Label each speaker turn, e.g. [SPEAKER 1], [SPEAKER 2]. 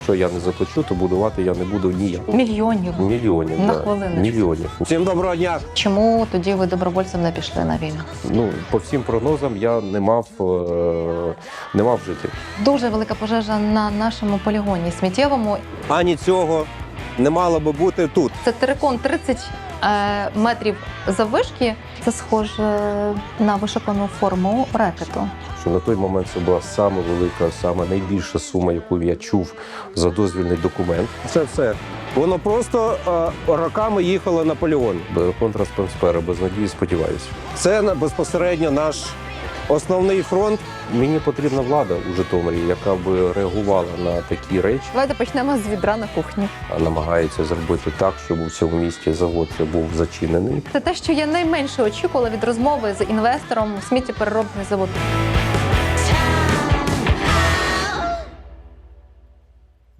[SPEAKER 1] Що я не заплачу, то будувати я не буду ніяк.
[SPEAKER 2] Мільйонів.
[SPEAKER 1] Мільйонів,
[SPEAKER 2] На
[SPEAKER 1] да.
[SPEAKER 2] хвилиночку.
[SPEAKER 1] Мільйонів. Всім доброго дня!
[SPEAKER 2] Чому тоді ви добровольцем не пішли на війну?
[SPEAKER 1] Ну, по всім прогнозам я не мав жити.
[SPEAKER 2] Дуже велика пожежа на нашому полігоні сміттєвому.
[SPEAKER 3] Ані цього не мало би бути тут.
[SPEAKER 2] Це терикон 30 метрів заввишки. Це схоже на вишукану форму рекету.
[SPEAKER 1] Що на той момент це була саме велика, саме найбільша сума, яку я чув за дозвільний документ.
[SPEAKER 3] Це все. Воно просто роками їхало на полігон.
[SPEAKER 1] Контрспонспера, без надії, сподіваюся.
[SPEAKER 3] Це безпосередньо наш основний фронт.
[SPEAKER 1] Мені потрібна влада у Житомирі, яка би реагувала на такі речі,
[SPEAKER 2] Давайте почнемо з відра на кухні.
[SPEAKER 1] а намагається зробити так, щоб у цьому місті завод був зачинений.
[SPEAKER 2] Це те, що я найменше очікувала від розмови з інвестором сміттєпереробний завод.